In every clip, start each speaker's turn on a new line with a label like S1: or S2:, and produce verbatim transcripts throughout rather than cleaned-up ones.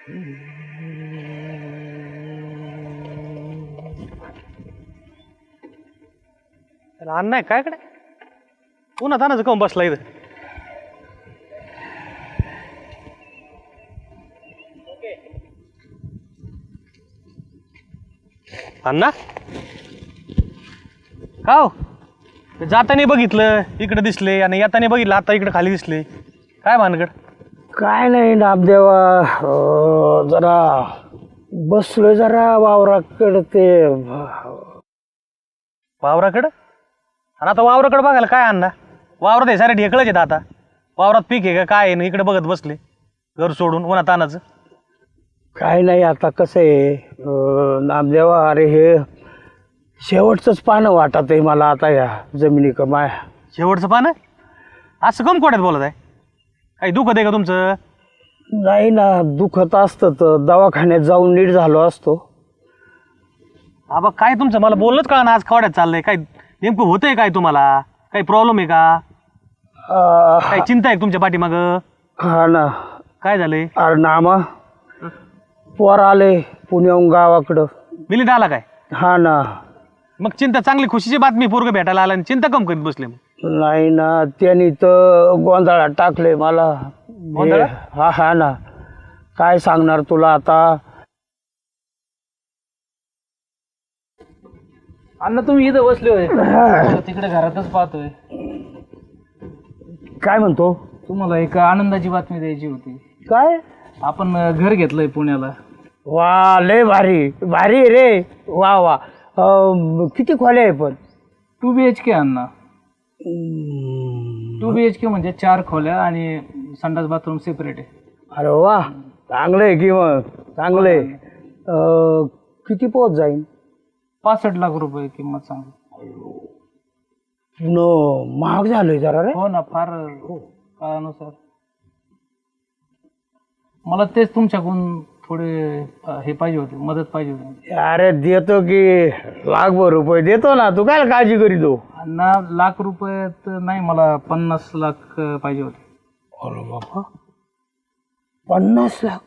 S1: अण्णा काय कडे पुन्हा तानाचं काऊन बसला इथं? अण्णा का हो जाताना बघितलं इकडे दिसले आणि येताना बघितलं आता इकडे खाली दिसले, काय भानगड?
S2: काय नाही नामदेवा, अं, जरा बसलोय जरा वावराकडं ते
S1: वावराकडं. आणि आता वावराकडं बघायला काय अण्णा? वावरात हे सारे ढेकळच आहेत आता. वावरात पीक आहे का काय आहे ना, इकडे बघत बसले घर सोडून उन्हा तानाचं.
S2: काय नाही. आता कसं आहे अं, नामदेवा, अरे हे शेवटचंच पानं वाटत आहे मला आता या जमिनी कमाय.
S1: शेवटचं पान असं कम कोड्यात बोलत आहे? काही दुखत आहे का तुमचं?
S2: नाही ना, दुखत असतं तर दवाखान्यात जाऊन नीट झालो असतो.
S1: आबा काय तुमचं मला बोललंच का ना, आज कवड्यात चाललंय काय नेमकं होतंय काय तुम्हाला? काही प्रॉब्लेम आहे का?
S2: अं,
S1: काही चिंता आहे तुमच्या पाठीमाग?
S2: हा ना.
S1: काय झालंय?
S2: अरे नामा, पोर आले पुण्याहून गावाकडं.
S1: मिलिंद आला काय?
S2: हा ना.
S1: मग चिंता चांगली खुशीची बातमी, पोरग भेटायला आला आणि चिंता कम करीत बसले? मग
S2: नाही ना, त्यांनी तर गोंधळात टाकले मला.
S1: गोंधळात?
S2: हा हा ना, काय सांगणार तुला आता.
S3: अण्णा तुम्ही इथं बसले होय? तिकडे घरातच पाहतोय.
S2: काय म्हणतो?
S3: तुम्हाला एक आनंदाची बातमी द्यायची होती.
S2: काय?
S3: आपण घर घेतलंय पुण्याला.
S2: वा, लय भारी भारी रे. वा वा. अं, किती खोल्या आहे पण?
S3: टू बी एच के अण्णा. टू बी एच के म्हणजे चार खोल्या आणि संडास बाथरूम सेपरेट आहे.
S2: अरे वा, चांगलं आहे की मग, चांगलं आहे. अं, किती पोत जाईन?
S3: पासष्ट लाख रुपये किंमत सांग.
S2: न महाग झालंय जरा रे.
S3: हो ना, फार काळानुसार. मला तेच तुमच्याकडून थोडे अं, हे पाहिजे होते, मदत पाहिजे होती.
S2: अरे देतो की, लाखभर रुपये देतो ना, तू काय काळजी करीतो?
S3: अण्णा लाख रुपये तर नाही, मला पन्नास लाख अं, पाहिजे होते.
S2: अरे बाबा, पन्नास लाख?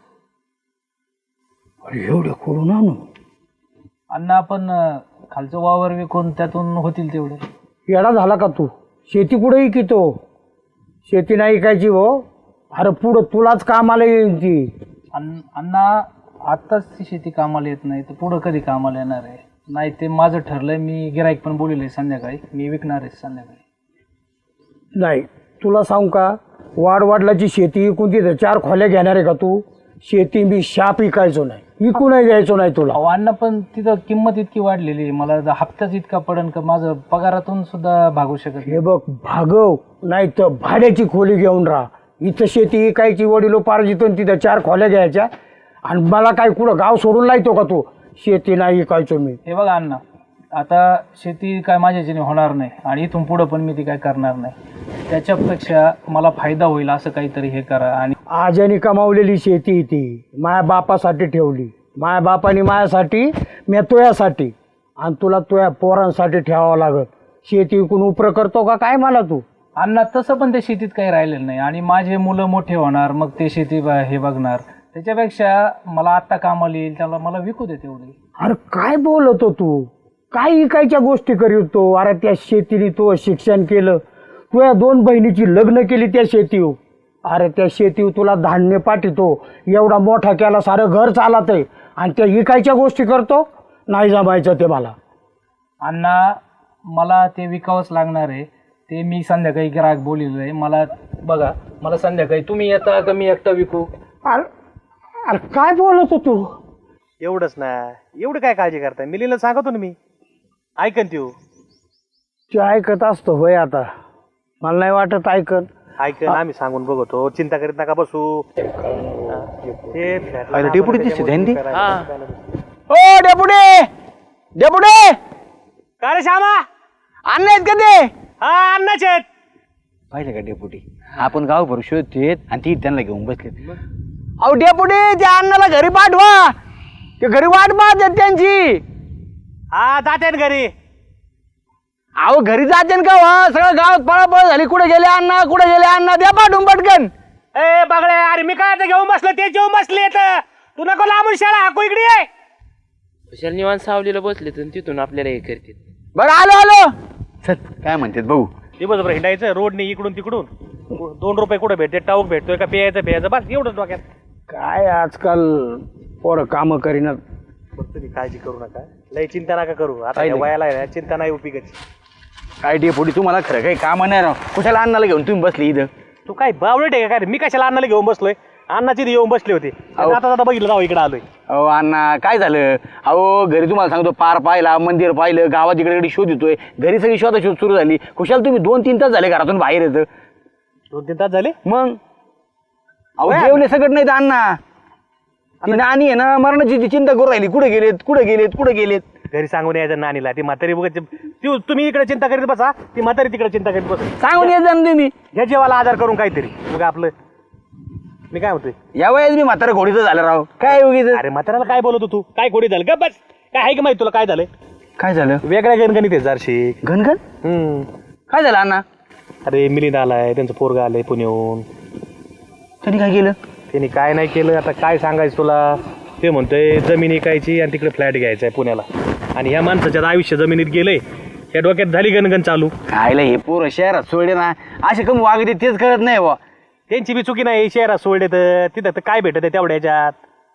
S2: अरे एवढे करून आणू?
S3: अण्णा आपण अं, खालचं वावर विकून त्यातून होतील तेवढे.
S2: येडा झाला का तू? शेती कुठे इकितो? शेती नाही इकायची हो. अरे पुढं तुलाच कामाला येईल ती.
S3: अण्ण- अण्णा आत्ताच ती शेती कामाला येत नाही तर पुढं कधी कामाला येणार आहे? नाही, ते माझं ठरलंय. मी गिराईक पण बोलले संध्याकाळी, मी विकणार आहे संध्याकाळी.
S2: नाही, तुला सांगू का, वाडवाडलाची शेती इकून तिथं चार खोल्या घेणार आहे का तू? शेती मी शाप इकायचो नाही, इकू नाही द्यायचो नाही तुला.
S3: अहो अण्णा, पण तिथं किंमत इतकी वाढलेली आहे, मला जर हप्ताच इतका पडन का माझं पगारातून सुद्धा भागू शकत नाही.
S2: हे बघ, भागव नाही तर भाड्याची खोली घेऊन राहा. इथं शेती इकायची, वडिलो पारजितून तिथं चार खोल्या घ्यायच्या. आणि मला काय कुठं गाव सोडून लायतो का तू? शेती नाही इकायचो मी.
S3: हे बघा अण्णा, आता शेती काय माझ्याच्याने होणार नाही आणि इथून पुढं पण मी ती काय करणार नाही. त्याच्यापेक्षा मला फायदा होईल असं काहीतरी हे करा. आणि
S2: आज्याने कमावलेली शेती ती माया बापासाठी ठेवली. माया बापाने माझ्यासाठी, मी तुझ्यासाठी, आणि तुला तुझ्या पोरांसाठी ठेवावं लागत. शेती विकून उपरं करतो का काय मला तू?
S3: अण्णा तसं पण ते शेतीत काही राहिलेलं नाही आणि माझे मुलं मोठे होणार, मग ते शेती ब- हे बघणार. त्याच्यापेक्षा मला आत्ता कामाला येईल त्याला मला विकू दे तेवढी.
S2: अरे काय बोलतो तू? काय इकायच्या गोष्टी करीतो? अरे त्या शेतीने तू शिक्षण केलं, तुझ्या दोन बहिणीची लग्न केली त्या शेतीवर. अरे त्या शेतीवर तुला धान्य पाठवतो, एवढा मोठा केला, सारं घर चालत आहे, आणि त्या इकायच्या गोष्टी करतो? नाही जमायचं ते मला.
S3: अण्णा मला ते विकावंच लागणार आहे. ते मी संध्याकाळी ग्राहक बोललेलं आहे. मला बघा, मला संध्याकाळी तुम्ही येता का मी एकटा विकू?
S2: अरे अरे काय बोलतो तू?
S1: एवढंच ना, एवढं काय काळजी करताय? मिलिंदला सांगतो ना मी, ऐकन त्यो.
S2: ते ऐकत असतो होय. आता मला नाही वाटत ऐकन.
S1: ऐकन, आम्ही सांगून बघतो, चिंता करीत नका बसू.
S2: डेपुटी दिसते ध्यान.
S4: ओ डेपुटी, डेपुटी
S1: का रे श्यामा?
S4: अण्णा आहेत का ते?
S1: हा अन्नाचे आहेत.
S4: पाहिलं का डेपुटी, आपण गाव भर शोधतोय आणि ती त्यांना घेऊन बसले. अहो डेपुटी, त्या अण्णाला घरी पाठवा, ते घरी वाट पाहतात त्यांची.
S1: हा जाते घरी.
S4: अहो घरी जाते का वा? सगळं गावात पळापळ झाली, कुठे गेले अण्णा, कुठे गेले अण्णा, द्या पाठवून पटकन.
S1: ए बघले, अरे मी काय आता घेऊन बसलो, ते जेवून बसले. तू नको लांबून शाळा हाकू इकडे ये.
S5: कशाला निवांत सावलीला बसले तर तिथून आपल्याला हे करतील.
S4: बरं आलो आलो चल काय म्हणतात भाऊ.
S1: दिवसभर हिंडायचं रोडने इकडून तिकडून दोन रुपये कुठं भेटते टाऊक भेटतोय का प्यायचं प्यायचं बस एवढंच डोक्यात.
S2: काय आजकाल पोरं कामं करीनात.
S1: फक्त तुम्ही काळजी करू नका लय चिंता नका करू आता
S4: काय
S1: या
S4: नाही.
S1: वयाला आहे ना, चिंता नाही उपयोगाची.
S4: काय डेपुटी तुम्हाला खरं काही काम नाही राव कुशाला अन्नाला घेऊन तुम्ही बसली इथं.
S1: तू काय बावळट आहे का काय रे? मी कशाला अन्नाला घेऊन बसलोय अण्णाची इथे येऊन बसले होते
S4: अहो.
S1: आता आता बघितलं जाऊ इकडे आलोय.
S4: अहो अण्णा काय झालं अहो घरी तुम्हाला सांगतो पार पाहिला मंदिर पाहिलं गावात इकडे इकडे शोध येतोय घरी सगळी शोध शोध सुरू झाली कुशाल तुम्ही दोन तीन तास झाले घरातून बाहेर येतं.
S1: दोन तीन तास झाले
S4: मग अहो जेवले सगळं नाही तर अण्णा ती नानी आहे ना मरणाची ती चिंता करू राहिली कुठे गेलेत कुठे गेलेत कुठे गेलेत.
S1: घरी सांगून यायचं नानीला ती म्हातारी बघत ती तुम्ही इकडे चिंता करीत बसा ती म्हातारी तिकडे चिंता करीत बसा
S4: सांगून येत जा ना तुम्ही.
S1: ह्या जेवाला आजार करून काहीतरी मग आपलं मी काय म्हणतोय
S4: या वयात मी म्हातारा घोडीचं झालं राव काय उगीच.
S1: अरे म्हाताऱ्याला काय बोलतो तू काय खोडी झालं का बस काय आहे का माहिती तुला काय झालंय
S4: काय झालं
S1: वेगळ्या गणगणित आहे जारशी.
S4: घनघन
S1: हम्म
S4: काय झालं अण्णा.
S1: अरे मिलिंद आलाय त्यांचं पोरगा आलंय पुण्याहून
S4: त्यांनी काय केलं.
S1: त्यांनी काय नाही केलं आता काय सांगायचं तुला ते म्हणतोय जमीन विकायची आणि तिकडे फ्लॅट घ्यायचा आहे पुण्याला आणि ह्या माणसाच्यात आयुष्य जमिनीत गेलंय या डोक्यात झाली गणगण चालू.
S4: खायला हे पोरं शहरात सोडले ना असे कमी वागते तेच कळत नाही बा.
S1: त्यांची बी चुकी नाही शहरात सोडले तर तिथं तर काय भेटत आहे तेवढ्या ह्याच्यात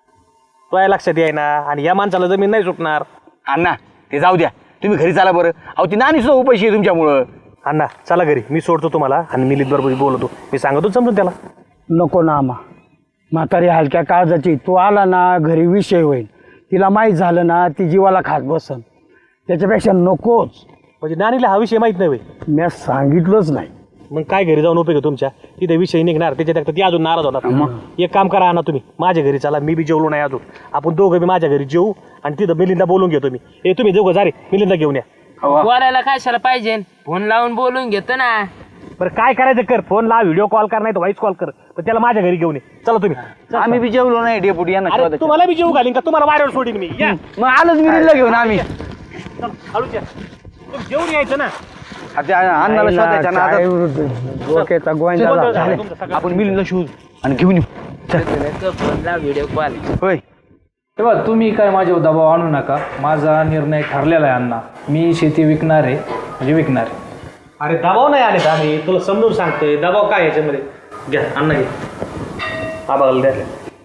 S1: तो या लक्षात याय ना आणि ह्या माणसाला जमीन नाही सुटणार.
S4: अण्णा ते जाऊ द्या तुम्ही घरी चाला बरं. अहो ती नानी सुद्धा उपाशी आहे तुमच्यामुळं.
S1: अण्णा चला घरी मी सोडतो तुम्हाला आणि मिलिंद बरोबर बोलतो मी सांगतो समजून त्याला.
S2: नको ना आम्हा म्हातारी हलक्या काळजाची तू आला ना घरी विषय होईल तिला माहीत झालं ना ती जीवाला खात बसन त्याच्यापेक्षा नकोच.
S1: म्हणजे नानीला हा विषय माहित नाही होय.
S2: मी सांगितलंच नाही.
S1: मग काय घरी जाऊन उपयोग आहे तुमच्या तिथे विषय निघणार त्याच्यात ती अजून नाराज होणार. एक काम करा ना तुम्ही माझ्या घरी चला मी बी जेवलो नाही अजून आपण दोघं बी माझ्या घरी जेवू आणि तिथं मिलिंदा बोलून घेतो मी हे तुम्ही दोघं जा रे मिलिंदा घेऊन या.
S5: बोलायला कशाला पाहिजे फोन लावून बोलून घेतो ना.
S1: बरं काय करायचं कर फोन ला व्हिडिओ कॉल कर नाही तर व्हॉइस कॉल कर पण त्याला माझ्या घरी घेऊन ये चला तुम्ही.
S4: आम्ही बी जेवलो नाही डेपुटी यांना
S1: अरे
S4: शोधायचं.
S1: तुम्हाला बी जेवू घालीन का तुम्हाला वाऱ्यावर सोडीन मी या
S4: मग आलोच मिरीला घेऊन आम्ही.
S1: चल, हळूच या तुम्ही जेवून यायचं ना.
S4: आता अन्नाला शोधायचं ना
S2: काय
S4: आता
S2: डोक्याचा गोंधळ
S1: जेवण
S2: झाला.
S1: झालं तुमचं सगळं.
S4: आपण मिलिंदला शोध आणि घेऊन येऊ.
S5: फोन लाव व्हिडिओ कॉल.
S4: होय
S3: तेव्हा तुम्ही काय माझ्यावर दबाव आणू नका माझा निर्णय ठरलेला आहे अण्णा. मी शेती विकणार आहे म्हणजे विकणार आहे.
S1: अरे दबाव नाही आले आम्ही तुला समजून सांगतोय दबाव काय याच्यामध्ये घ्या अण्णा घे आबाला द्या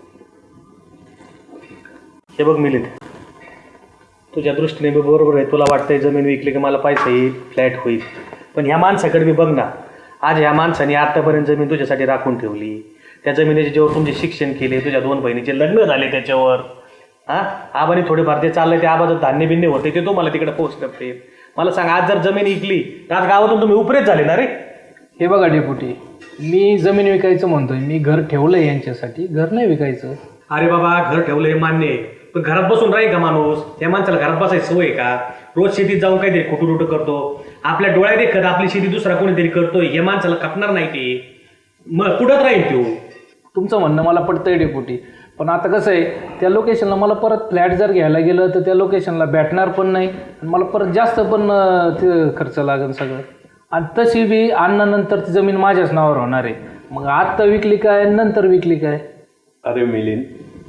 S1: हे बघ मिलिंद तुझ्या दृष्टीने बी बरोबर आहे तुला वाटतंय जमीन विकली की मला पैसा येईल फ्लॅट होईल पण ह्या माणसाकडे बी बघ ना आज ह्या माणसाने आतापर्यंत जमीन तुझ्यासाठी राखून ठेवली त्या जमिनीचे जेव्हा तुमचे शिक्षण केले तुझ्या दोन बहिणीचे लग्न झाले त्याच्यावर हां आबाने थोडेफार ते चाललंय ते आबाचं धान्य बिन्य होते ते तुम्हाला तिकडे पोस्ट करते मला सांग आज जर जमीन विकली तर आज गावातून तुम्ही उपरेच झाले ना रे.
S3: हे बघा डेपुटी मी जमीन विकायचं म्हणतोय मी घर ठेवलंय यांच्यासाठी घर नाही विकायचं.
S1: अरे बाबा घर ठेवलं हे मान्य आहे पण घरात बसून राहील का माणूस त्या माणसाला घरात बसायची सवय आहे का रोज शेतीत जाऊन काहीतरी कुटुरुट करतो आपल्या डोळ्यात देखत आपली शेती दुसरा कोणीतरी करतोय हे माणसाला खपणार नाही ते मग कुठंच राहील तो.
S3: तुमचं म्हणणं मला पडतंय डेपुटी पण आता कसं आहे त्या लोकेशनला मला परत फ्लॅट जर घ्यायला गेलं तर त्या लोकेशनला भेटणार पण नाही आणि मला परत जास्त पण अं, ते खर्च लागेल सगळं आणि तशी बी आणल्यानंतर ती जमीन माझ्याच नावावर होणार आहे मग आत्ता विकली काय नंतर विकली काय.
S6: अरे मिलिंद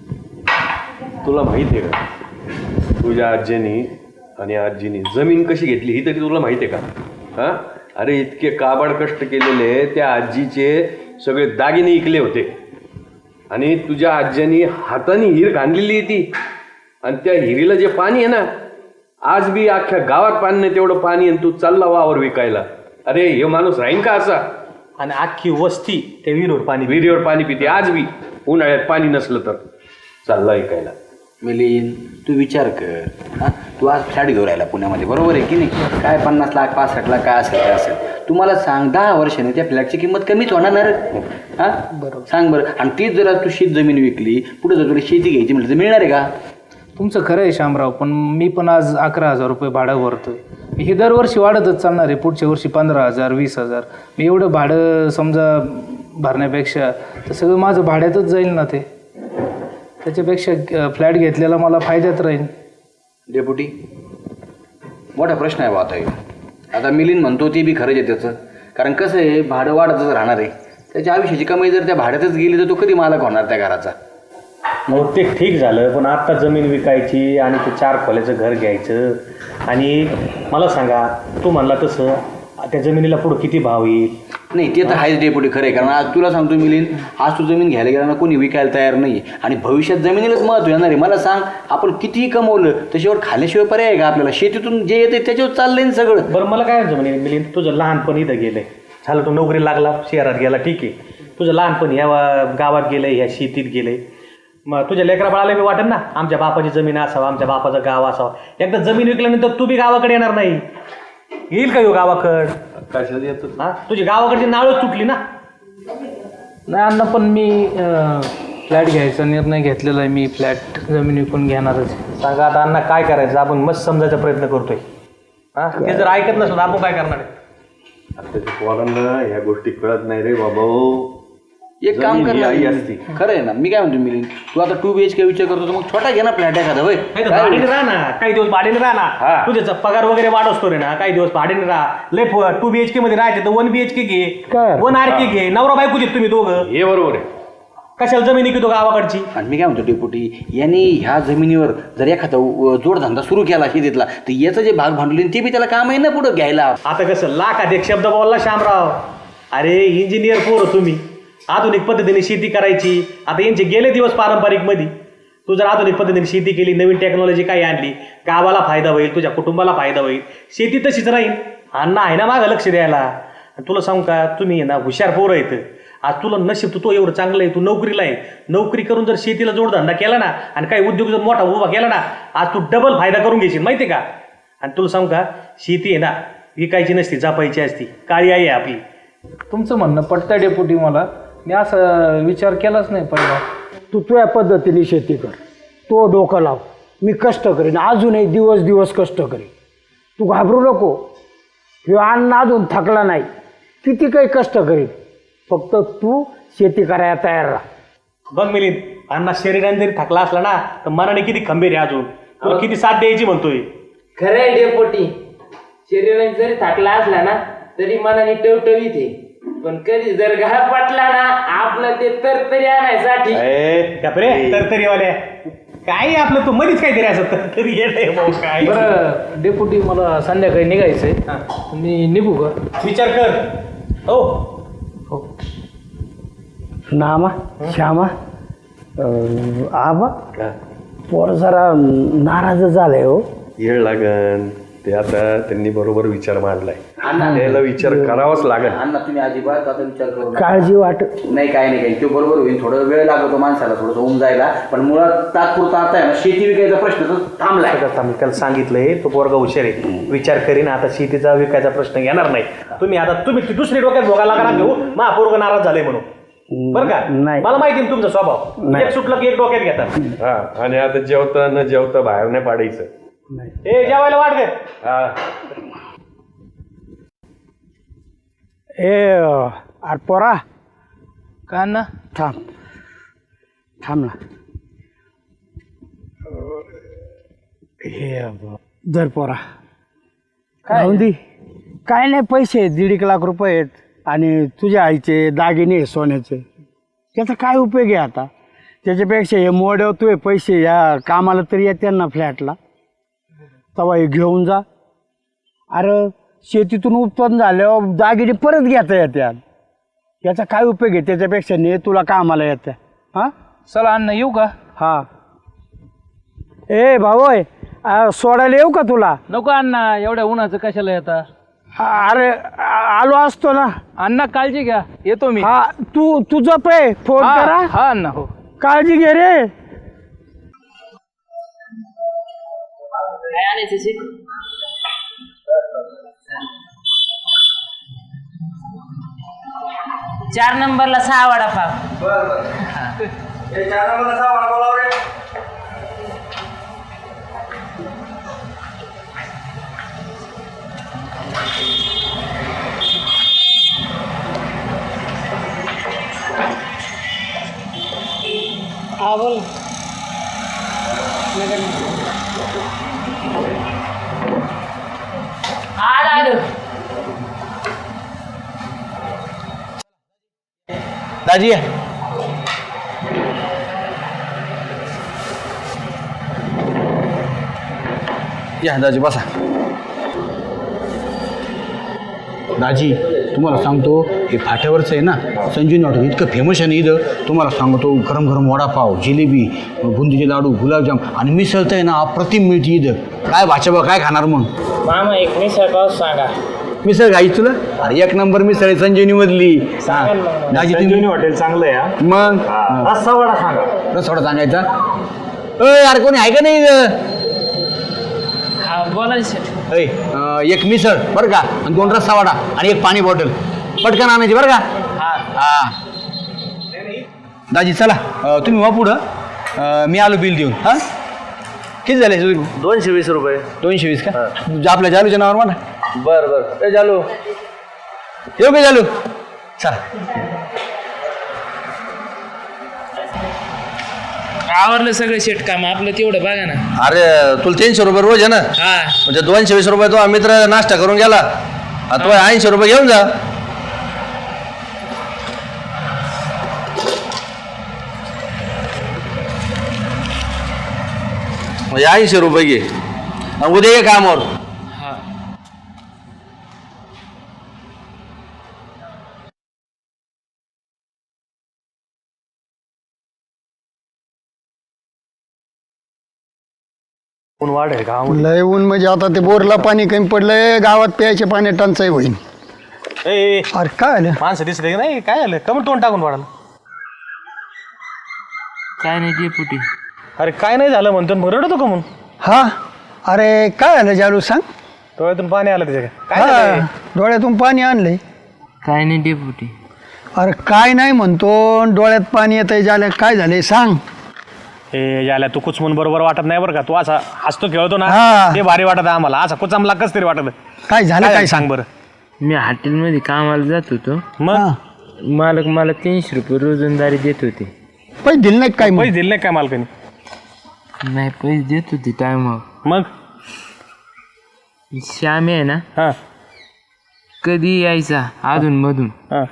S6: तुला माहिती आहे का तुझ्या आजीनी आणि आजीनी जमीन कशी घेतली ही तरी तुला माहिती आहे का. हां अरे इतके काबाड कष्ट केलेले त्या आजीचे सगळे दागिने इकले होते आणि तुझ्या आज्यानी हाताने हिर खांदलेली आहे ती आणि त्या हिरीला जे पाणी आहे ना आज बी अख्ख्या गावात पाणी नाही तेवढं पाणी आणि तू चालला वावर विकायला. अरे हे माणूस राहीन का असा.
S1: आणि अख्खी वस्ती त्या विहिरीवर पाणी
S6: विहिरीवर पाणी पिते आज बी उन्हाळ्यात पाणी नसलं तर चालला विकायला.
S4: मिलिंद तू विचार कर हां तू आज फ्लॅट घेऊन राहिला पुण्यामध्ये बरोबर आहे की नाही काय पन्नास लाख पासष्ट लाख काय असेल काय असेल तू मला सांग दहा वर्षाने त्या फ्लॅटची किंमत कमीच होणार ना रे. हां बरोबर सांग बरं आणि तीच जर तू शेत जमीन विकली पुढे जर तुला शेती घ्यायची म्हटलं तर मिळणार आहे का.
S3: तुमचं खरं आहे शामराव पण मी पण आज अकरा हजार रुपये भाडं भरतोय हे दरवर्षी वाढतच चालणार आहे पुढच्या वर्षी पंधरा हजार वीस हजार मी एवढं भाडं समजा भरण्यापेक्षा तर सगळं माझं भाड्यातच जाईल ना ते त्याच्यापेक्षा फ्लॅट घेतलेला मला फायद्यात राहील.
S4: डेपुटी मोठा प्रश्न आहे बा आता हे. आता मिलिंद म्हणतो ती बी खरंच आहे त्याचं कारण कसं आहे भाडं वाढतच राहणार आहे त्याच्या आयुष्याची कमाई जर त्या भाड्यातच गेली तर तो कधी मालक होणार त्या घराचा.
S1: मग ते ठीक झालं, पण आत्ता जमीन विकायची आणि ते चार खोल्याचं घर घ्यायचं. आणि मला सांगा, तू म्हणला तसं त्या जमिनीला पुढं किती भाव येईल?
S4: नाही ते तर आहेच डेपुटी, खरं आहे. कारण आज तुला सांगतो मिलिंद, आज तू जमीन घ्यायला गेला ना, कोणी विकायला तयार नाही. आणि भविष्यात जमिनीलाच महत्व येणार आहे. मला सांग, आपण कितीही कमवलं त्याच्यावर खाल्याशिवाय पर्याय आहे का आपल्याला? शेतीतून जे येते त्याच्यावर चाललंय ना सगळं.
S1: बरं मला काय जमिनी मिलिंद, तुझं लहानपण इथं गेलंय, झालं तू नोकरी लागला शहरात गेला, ठीक आहे. तुझं लहानपण ह्या गावात गेलंय, ह्या शेतीत गेलंय. मग तुझ्या लेकरा बाळाला बी वाटेल ना आमच्या बापाची जमीन असावं, आमच्या बापाचं गाव असावं. एकदा जमीन विकल्यानंतर तू बी गावाकडे येणार नाही. येईल का येऊ गावाकड?
S6: कशाला येतो?
S1: हा, तुझी गावाकडची नाळच तुटली ना.
S3: नाही अण्णा, पण मी फ्लॅट घ्यायचा निर्णय घेतलेला आहे. मी फ्लॅट जमीन विकून घेणारच.
S1: सांगा आता अण्णा काय करायचं, आपण मस्त समजायचा प्रयत्न करतोय. हा, ते जर ऐकत नसलं तर आपण काय करणार आहे?
S6: आताच्या पोरांना ह्या गोष्टी कळत नाही रे बाबा.
S4: एक काम कर
S6: जमीन
S4: ना,
S6: ही आई असती.
S4: खरं आहे ना. मी काय म्हणतो मिलिंद, तू आता टू बी एच के विचार करतो तर मग छोटा घे ना फ्लॅट एखादा. होय
S1: नाही तर भाडीने राहा ना, काही दिवस भाडीने राहा ना.
S6: हा.
S1: तुझ्याचा पगार वगैरे वाढवतो रे ना, काही दिवस भाडीने राहा. लय टू बीएचके मध्ये राहायचे तर वन बीएचके घे,
S2: काय?
S1: वन आर के घे. नवरा बायकोचे तुम्ही दोघं,
S6: हे बरोबर आहे.
S1: कशाला जमिनी घेतो गावाकडची?
S4: आणि मी काय म्हणतो डेपुटी, यांनी ह्या जमिनीवर जर एखादा उ- जोडधंदा सुरू केला शेतीतला, तर याचं जे भाग भांडवली ते बी त्याला काम आहे ना पुढं घ्यायला.
S1: आता कसं लाखात एक शब्द बोलला शामराव. अरे इंजिनियर पोर तुम्ही, आधुनिक पद्धतीने शेती करायची. आता यांचे गेले दिवस पारंपरिक मध्ये. तू जर आधुनिक पद्धतीने शेती केली, नवीन टेक्नॉलॉजी काही आणली, गावाला फायदा होईल, तुझ्या कुटुंबाला फायदा होईल. शेती तशीच राहील. अण्णा आहे ना मागं लक्ष द्यायला. आणि तुला सांगू का, तुम्ही ना हुशार पोरं आहेत. आज तुला नशीब, तू तो एवढं चांगलं आहे, तू नोकरीला आहे. नोकरी करून जर शेतीला जोडधंदा केला ना आणि काही उद्योग जर मोठा उभा केला ना, आज तू डबल फायदा करून घेशील माहिती आहे का. आणि तुला सांगू का, शेती आहे ना विकायची नसती, जपायची असती. काळी आई आहे आपली.
S3: तुमचं म्हणणं पटतं डेपुटी मला. मी असा विचार केलाच नाही पहिला.
S2: तू तुझ्या पद्धतीने शेती कर, तो डोकं लाव. मी कष्ट करीन, अजूनही दिवस दिवस कष्ट करीन. तू घाबरू नको. किंवा अन्न अजून थकला नाही, किती काही कष्ट करीन. फक्त तू शेती करायला तयार राहा.
S1: बघ मिलिंद, अण्णा शरीराने जरी थकला असला ना तर मनाने किती खंबीर आहे. अजून तुला किती साथ द्यायची म्हणतोय.
S5: खरं आहे डेपोटी, शरीराने जरी थाकला असला ना तरी मनाने टवटवीत आहे. पण कधी जर घात पटला ना आपलं ते तरतरी आणायसाठी.
S1: कपरे तरतरीवाल्या काय आपलं, तू मध्येच काहीतरी असं तरतरी येतंय भाऊ काय.
S3: बरं डेपुटी, मला संध्याकाळी निघायचंय. मी निघू का?
S1: विचार कर. हो
S3: हो.
S2: नामा श्यामा, अं, आबा पोर जरा नाराज झालंय हो.
S6: येळ लागन ते. आता त्यांनी बरोबर विचार मांडलाय, त्याला विचार करावाच लागेल.
S4: अण्णा तुम्ही अजिबात आता विचार करू नका.
S2: काळजी वाट
S4: नाही काय नाही काही, तो बरोबर होईल. थोडा वेळ लागतो माणसाला थोडंसं होऊन जायला, पण मुळात तात्पुरता आता आहे ना शेती विकायचा प्रश्न तर थांबलाय.
S1: मी त्याला सांगितलंय, तो पोरगा हुशार आहे, विचार करीन. आता शेतीचा विकायचा प्रश्न येणार नाही. तुम्ही आता तुम्ही ती दुसरी डोक्यात भोगायला करा घेऊ मा पोरगा नाराज झाले म्हणून. बरं का,
S2: नाही.
S1: मला माहिती आहे तुमचा स्वभाव.
S2: नाही.
S1: एक सुटलं की एक डोक्यात घेतात.
S6: हा, आणि आता जेवता न जेवता बाहेर नाही पाडायचं.
S1: ए जेवायला वाट गे.
S6: हा,
S2: ए अरे पोरा,
S3: का ना?
S2: थांब थांब ना. हे जर पोरा राहून दे. काय नाही, पैसे दीड एक लाख रुपये आहेत आणि तुझ्या आईचे दागिने आहे सोन्याचे. त्याचा काय उपयोग आहे आता? त्याच्यापेक्षा हे मोडवतोय पैसे या कामाला तरी येते ना फ्लॅटला. तेव्हा हे घेऊन जा. अरे शेतीतून उत्पन्न झाल्यावर दागिने परत घेता येतात. याचा काय उपयोग आहे? त्याच्यापेक्षा ने तुला कामाला येतं. हां
S3: चला अण्णा, येऊ का?
S2: हां. ए भाऊ, सोडायला येऊ का तुला?
S3: नको अण्णा, एवढ्या उन्हाचं कशाला येता?
S2: अरे आ- आलो असतो ना.
S3: अण्णा काळजी घ्या, येतो मी.
S2: हा, तू तुझं पे फोन
S3: हा
S2: करा.
S3: हा अण्णा, हो.
S2: काळजी घे रे.
S5: काय आणायचं शेत? चार नंबरला सहा वडापाव.
S2: हा बोल.
S5: आलं आलं.
S1: दाजी
S7: या दाजी बसा. दाजी तुम्हाला सांगतो हे फाट्यावरचं आहे ना संजीवनी हॉटेल इतकं फेमस आहे ना इथं. तुम्हाला सांगतो गरम गरम वडापाव, जिलेबी, बुंदीचे लाडू, गुलाबजाम आणि मिसळ तर आहे ना अप्रतिम मिळते इथं. काय भाषा बा काय खाणार मग?
S5: मामा एक मिसळ पाव सांगा.
S7: मिसळ खायची तुला? अरे एक नंबर मिसळ आहे संजीवनी मधली. दाजी संजीवनी हॉटेल चांगलं आहे. मग रस्सा वडा सांगा. रस्सा वडा सांगायचा. अय यार कोणी आहे का नाही इथं?
S5: हा बोला
S7: अय एक मिसळ बरं का आणि दोन रस्सा वडा आणि एक पाणी बॉटल पटकन आणायची बरं का. हा दाजी चला अं, तुम्ही वा पुढं अं, मी आलो बिल देऊन. हां किती झाले
S1: दोनशे वीस रुपये.
S7: दोनशे वीस का? आपल्या जालूच्या नावावर म्हणा.
S1: बरं बरं. ए जालू
S7: येऊ का जालू? चला
S5: आवरलं सगळं शेट काम आपलं तेवढं बघा ना.
S6: अरे तुला तीनशे रुपये रोज आहे ना,
S5: हा
S6: म्हणजे दोनशे वीस रुपये तो मित्र नाश्ता करून गेला. आता तो ऐंशी रुपये घेऊन जा. म्हणजे ऐंशी रुपये घे आणि उद्या ये कामावर.
S5: हा
S1: ऊन वाढ आहे का?
S2: लय ऊन म्हणजे आता ते बोरला पाणी कमी पडलंय, गावात प्यायचे पाणी टंचाई होईल.
S1: ए, ए
S2: अरे काय आलं?
S1: माणसं दिसले की नाही? काय आलं कमी तोंड टाकून वाढाल?
S5: काय नाही डेपुटी.
S1: अरे काय नाही झालं म्हणतो मग रडतो का म्हणून?
S2: हा अरे काय आलं जालू सांग.
S1: डोळ्यातून पाणी आलं त्याच्या काय
S2: हा,
S1: झालंय?
S2: डोळ्यातून पाणी आणलंय.
S5: काय नाही डेपुटी.
S2: अरे काय नाही म्हणतो डोळ्यात पाणी येतंय. झालं काय झालंय सांग.
S1: हे याला तू कुचमून बरोबर वाटत नाही बरं का. तू असा हसतो खेळतो ना
S2: हा.
S1: ते भारी वाटत आम्हाला. असा कुचामला कस तरी वाटत.
S2: काय झालं काय सांग.
S1: सांग बरं.
S5: मी हॉटेलमध्ये कामाला जात होतो.
S1: मग
S2: हा.
S5: मालक मला तीनशे रुपये रोजंदारी देत होते.
S2: पैसे दिले नाही काय मग?
S1: पैसे दिले नाही काय मालकाने?
S5: नाही पैसे देत होते टायमावर.
S1: मग
S5: श्यामी आहे ना
S1: हा
S5: कधी यायचा अधून मधून
S1: हा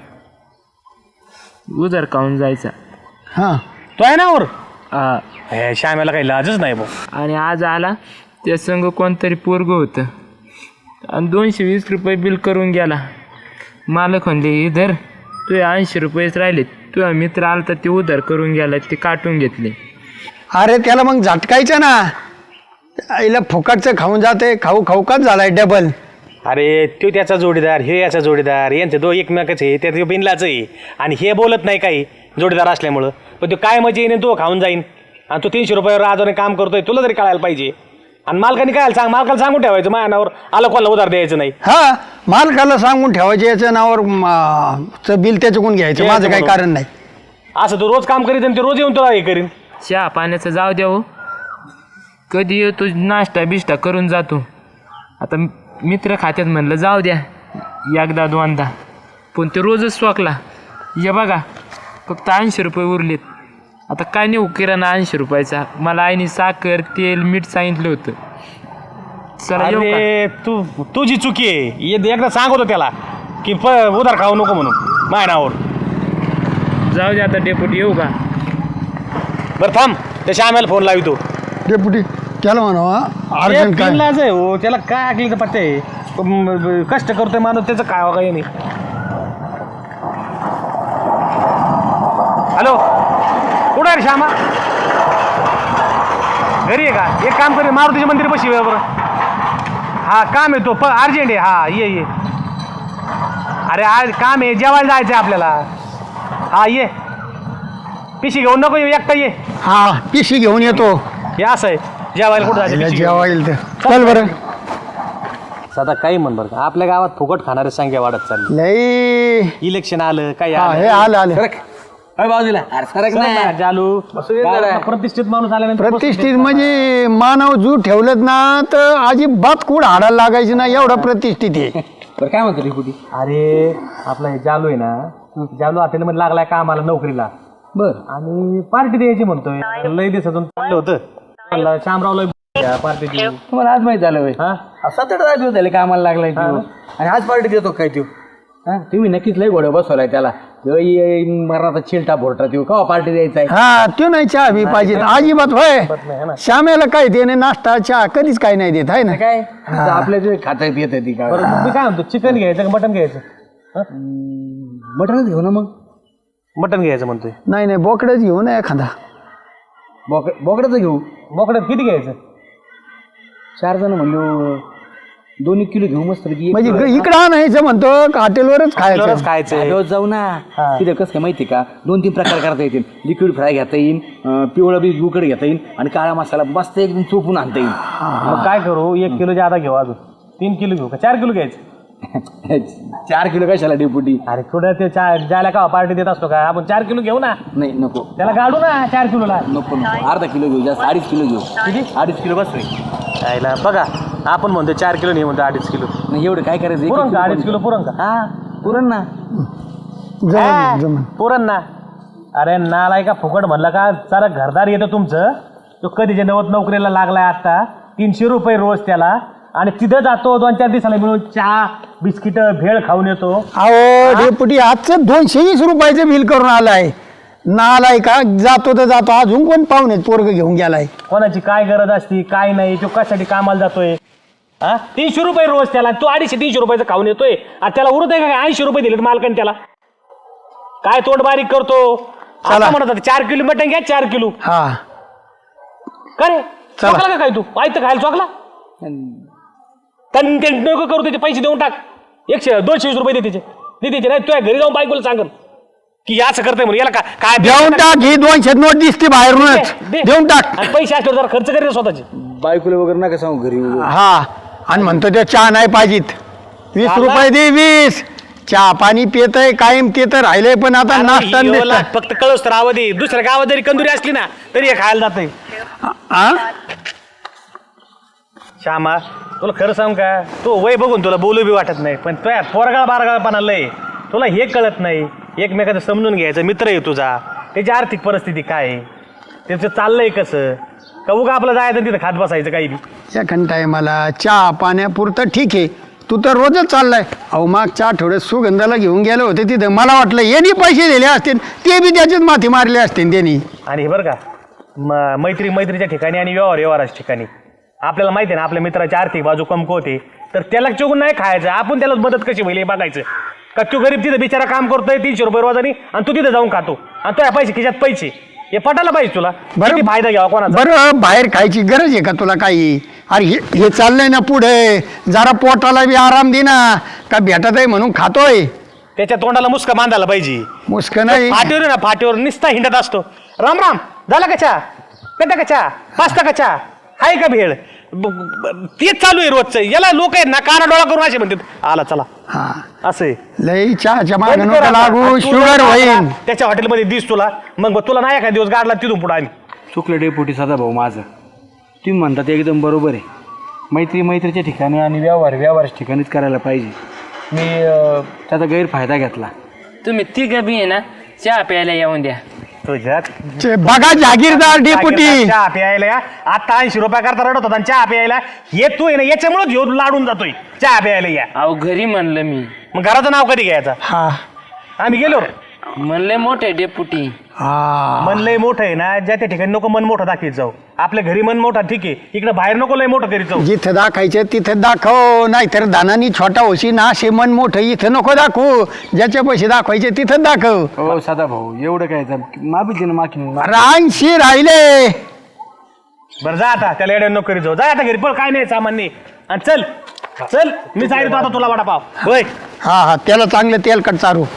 S5: उधार खाऊन जायचा.
S2: हा
S1: तो आहे ना वर.
S5: हा.
S1: हे श्यामेला काही लाजच नाही भाऊ.
S5: आणि आज आला त्या संग कोणतरी पोरगं होतं आणि दोनशे वीस रुपये बिल करून गेला. मालक म्हणले इधर तुझे ऐंशी रुपयेच राहिले. तुझा मित्र आला तर ते उधार करून गेला ते काटून घेतले.
S2: अरे त्याला मग झटकायचं ना. आईला फुकटचं खाऊन जाते. खाऊ खाऊ काच झालाय डबल.
S1: अरे तो त्याचा जोडीदार हे याचा जोडीदार यांचे दो एकमेकाचे आहे. त्या बिनलाच आहे आणि हे बोलत नाही काही जोडीदार असल्यामुळं. पण तो काय मजा येईन तो खाऊन जाईन आणि तो तीनशे रुपयावर आजोने काम करतोय. तुला तरी कळायला पाहिजे. आणि मालकाने काय सांग मालकाला सांगून ठेवायचं मायानावर आलं कोणाला उधार द्यायचं नाही.
S2: हा मालकाला सांगून ठेवायचे याच्या नावावर म, चं बिल त्याच्याकडून घ्यायचं. माझं काही कारण नाही.
S1: असं तो रोज काम करीत आणि ते रोज येऊन तुला हे करीन.
S5: चहा पाण्याचं जाऊ द्या हो. कधी येतो नाश्ता बिष्टा करून जातो. आता मित्र खात्यात म्हणलं जाऊ द्या एकदा दोनदा पण ते रोजच स्वाकला. ये बघा फक्त ऐंशी रुपये उरलेत. आता काय नाही किराणा ऐंशी रुपयाचा. मला आईने साखर तेल मीठ सांगितलं होतं. चला येऊ का?
S1: अरे तू तुझी चुकी आहे. ये एकदा सांगतो त्याला की प उधार खाऊ नको म्हणून मायनावर.
S5: जाऊ दे आता डेपुटी येऊ का?
S1: बरं थांब त्याच्या आम्हाला फोन लावितो.
S2: डेपुटी त्याला म्हणा अर्जंट काय.
S1: लाज आहे हो त्याला काय ऐकलं तर पत्ते आहे. म- म- कष्ट करतोय माणूस त्याचं काय काही नाही. हॅलो कुठं आहे रे श्यामा? घरी आहे का? एक काम करे मारुतीच्या मंदिर बशी बरं. हा काम आहे तो प अर्जंट आहे. हा ये ये. अरे आज काम आहे जेवायला जायचं आहे आपल्याला. हा ये पिशी घेऊन नको येऊ एकटा ये.
S2: हा पिशी घेऊन येतो.
S1: हे असं आहे जेवायला कुठं जायचं पिशवी घेऊन.
S2: जेव्हा येईल तर चल बरं.
S1: आता काही म्हण बरं का आपल्या गावात फुकट खाणारी संख्या वाढत चालली.
S2: लई
S1: इलेक्शन आलं काय
S2: हा हे आलं आलं.
S4: बाजूला अरे सरक नाही.
S1: जालू प्रतिष्ठित माणूस आल्यानंतर
S2: प्रतिष्ठित म्हणजे मानव जू ठेवलं ना तर अजिबात कुड हाडायला लागायची ना एवढा प्रतिष्ठित आहे.
S4: बरं काय म्हणतो रिपुटी?
S1: अरे आपला हे जालू आहे ना जालू हॉटेलमध्ये लागलाय का आम्हाला नोकरीला.
S4: बर
S1: आणि पार्टी द्यायची म्हणतोय. लय दिवसातून चाललं होतं म्हणलं श्यामरावला पार्टी देऊ.
S4: तुम्हाला आज माहित झालं होय?
S1: हा
S4: सात आठ दिवस झाले कामाला लागलाय तो आणि आज पार्टी देतो काय तू?
S7: हा तुम्ही नक्कीच लय घोड्या बसवलाय त्याला मरणाचा चिलटा भोरटा देऊ का पार्टी द्यायचा आहे
S2: हा तो नाही चहा बी पाहिजे अजिबात होय श्यामेला काय देणे नाश्ता चहा कधीच काय नाही देत आहे ना
S7: काय आपल्या जे खाता येत ती का
S1: बरं मग मी काय म्हणतो चिकन घ्यायचं का मटन घ्यायचं
S7: मटणच घेऊ ना मग
S1: मटन घ्यायचं म्हणतोय.
S2: नाही नाही बोकड्याच घेऊ ना एखादा
S7: बोक बोकड्याचं घेऊ
S1: बोकड्यात किती घ्यायचं?
S7: चार जण म्हणलो दोन एक किलो घेऊ मस्त
S2: म्हणजे इकडं आणायचं म्हणतो का हॉटेलवरच खायचं
S1: खायचं
S7: जाऊ ना तिथं कसं काय माहिती का दोन तीन प्रकार करता येतील लिक्विड फ्राय घेता येईल अं, पिवळं बी उकड घेता येईल आणि काळा मसाला मस्त एकदम चोपून आणता येईल
S1: मग काय करू एक किलो जादा घेऊ अजून तीन किलो घेऊ का चार किलो घ्यायचं?
S7: चार किलो कशाला डेपुटी
S1: अरे थोडं ते चार ज्याला का पार्टी देत असतो का आपण चार किलो घेऊ ना
S7: नाही नको
S1: त्याला काढू ना चार किलोला.
S7: नको नको अर्धा किलो घेऊ जास्त अडीच किलो घेऊ
S1: किती?
S7: अडीच किलो बस
S1: यायला बघा आपण म्हणतो चार किलो नाही म्हणतो अडीच किलो.
S7: नाही एवढं काय करायचं एक-
S1: पुरण
S7: एक
S1: का
S7: किलो
S1: अडीच किलो पुरण का?
S7: हा पुरण ना
S2: जमन जमन
S1: पुरण ना. अरे नालाय का फुकट म्हणलं का जरा घरदार येतं तुमचं तो कधीच्या नवत नोकरीला लागलाय आता तीनशे रुपये रोज त्याला आणि तिथं जातो दोन चार दिवसाला मिळून चहा बिस्किट भेळ खाऊन येतो.
S2: अहो डेपुटी आजचं दोनशे वीस रुपयाचं बिल करून आलाय नालाय का जातो तर जातो अजून कोण पाहुणे पोरग घेऊन गेलाय
S1: कोणाची काय गरज असती काय नाही तो कशासाठी कामाला जातोय. हा तीनशे रुपये रोज त्याला तो अडीचशे तीनशे रुपयाचं खाऊन येतोय आणि त्याला उरत आहे का ऐंशी रुपये दिले मालकाने त्याला काय तोंड बारीक करतो. आता म्हणत होता, चार किलो मटण घ्या चार किलो
S2: हा
S1: का रे चोकला का काय तू पाहिजे खायला चोकला त्यांनी ते नको करू त्याचे पैसे देऊन टाक एकशे दोनशे वीस रुपये दे त्याचे दे त्याचे नाही तुझ्या घरी जाऊन बायकोला सांगन की असं करतोय म्हणून याला का काय
S2: देऊन टाक ही दोनशे नोट दिसते बाहेरूनच
S1: दे.
S2: देऊन टाक
S1: आणि पैसे असल्यावर जरा खर्च करेल स्वतःचे.
S7: बायकोला वगैरे नका सांगू घरी
S2: हा आणि म्हणतो त्या चहा नाही पाहिजेत वीस
S1: चालला.
S2: रुपये दे वीस चहा पाणी पितय कायम ते तर राहिलंय पण आता नाश्ता
S1: अरे,
S2: आणि
S1: योला,
S2: बिस्टा.
S1: फक्त कळस तर आवाज दे दुसऱ्या गावात जरी कंदुरी असली ना तरी हे खायला जाते.
S2: हा?
S1: श्यामा तुला खरं सांग का तू वय बघून तुला बोलू बी वाटत नाही पण तुया पोरगाळ बारगाळपणा लय तुला हे कळत नाही एकमेकाचं समजून घ्यायचं मित्र आहे तुझा त्याची आर्थिक परिस्थिती काय आहे त्याचं चाललंय कसं का उगा आपलं जायचं तिथं खात बसायचं काही बी
S2: एखाद टायमाला चहा पाण्यापुरतं ठीक आहे तू तर रोजच चाललाय अहो मागच्या आठवड्यात सुगंधाला घेऊन गेले होते तिथं मला वाटलं यांनी पैसे दिले असतील ते बी त्याच्यात माथी मारले असतील त्यांनी
S1: आणि हे बरं का म मैत्री मैत्रीच्या ठिकाणी आणि व्यवहार व्यवहाराच्या ठिकाणी आपल्याला माहिती आहे ना आपल्या मित्राची आर्थिक बाजू कमकुवते तर त्याला चुकून नाही खायचं आपण त्याला मदत कशी होईल हे बघायचं का तू गरीब तिथं बिचारा काम करतोय तीनशे रुपये रोजानी आणि तू तिथं जाऊन खातो आणि तुझ्या पैसे खिशात पैसे हे पटायला पाहिजे तुला किती फायदा घ्यावा कोणाचा.
S2: बरं बाहेर खायची गरज आहे का तुला काही अरे हे हे चाललंय ना पुढे जरा पोटाला बी आराम दे ना का भेटत आहे म्हणून खातोय
S1: त्याच्या तोंडाला मुसका बांधायला पाहिजे.
S2: मुस्क नाही
S1: फाटीवर आहे ना फाटीवर निस्ता हिंडत असतो राम राम झाला का चहा पेटा का चहा पास्ता का चहा आहे का भेळ ब- ब- तेच चालू आहे रोजचं याला लोक आहेत ना काना डोळा करून असे म्हणतात आला चला
S2: हा
S1: असं आहे.
S2: लई चहाच्या मागे
S1: बंद कर
S2: नको
S1: आता.
S2: लागू
S1: आणि तू
S2: शुगर
S1: जर
S2: होईल
S1: आपला त्याच्या हॉटेलमध्ये दिस तुला मग बघ, तुला नाही एखाद दिवस गाडला तिथून पुढे आम्ही
S7: चुकलं डेपुटी सदा भाऊ माझं तुम्ही म्हणता ते एकदम बरोबर आहे मैत्री मैत्रीच्या ठिकाणी आणि व्यवहार व्यवहाराच्या ठिकाणीच करायला पाहिजे मी अं, त्याचा गैरफायदा घेतला
S5: तुम्ही तिघं बी आहे ना चहा प्यायला येऊन द्या.
S1: तुझ्या
S2: चे बघा जागीरदार डेपुटी
S1: चहा प्यायला या आता ऐंशी रुपया करता रडत होता आणि चहा प्यायला हे तू आहे ना याच्यामुळे घेऊन लाडून जातोय चहा प्यायला या
S5: अहो घरी म्हणलं मी
S1: मग घराचं नाव कधी घ्यायचं
S2: हा
S1: आम्ही गेलो
S5: म्हणले मोठे डेपुटी
S2: हा
S1: मन लय मोठं आहे ना ज्या त्या ठिकाणी नको मन मोठं दाखवीत जाऊ आपल्या घरी मन मोठा ठीक आहे इकडे बाहेर नको लय मोठं करीत जाऊ.
S2: जिथं दाखायचं तिथं दाखव नाहीतर दानानी छोटा होशी ना असे मन मोठं इथं नको दाखवू ज्याच्या पैसे दाखवायचे तिथं दाखव
S7: हो सदा भाऊ एवढं काय माफी ना माफी
S2: रानशी राहिले
S1: बरं जा आता त्याला एवढ्या नको करीत जाऊ जा आता घरी पण काय नाही सामान्य आणि चल चल मी सांगितलं आता तुला वडापाव होय
S2: हा हा त्याला चांगलं तेलकट चारू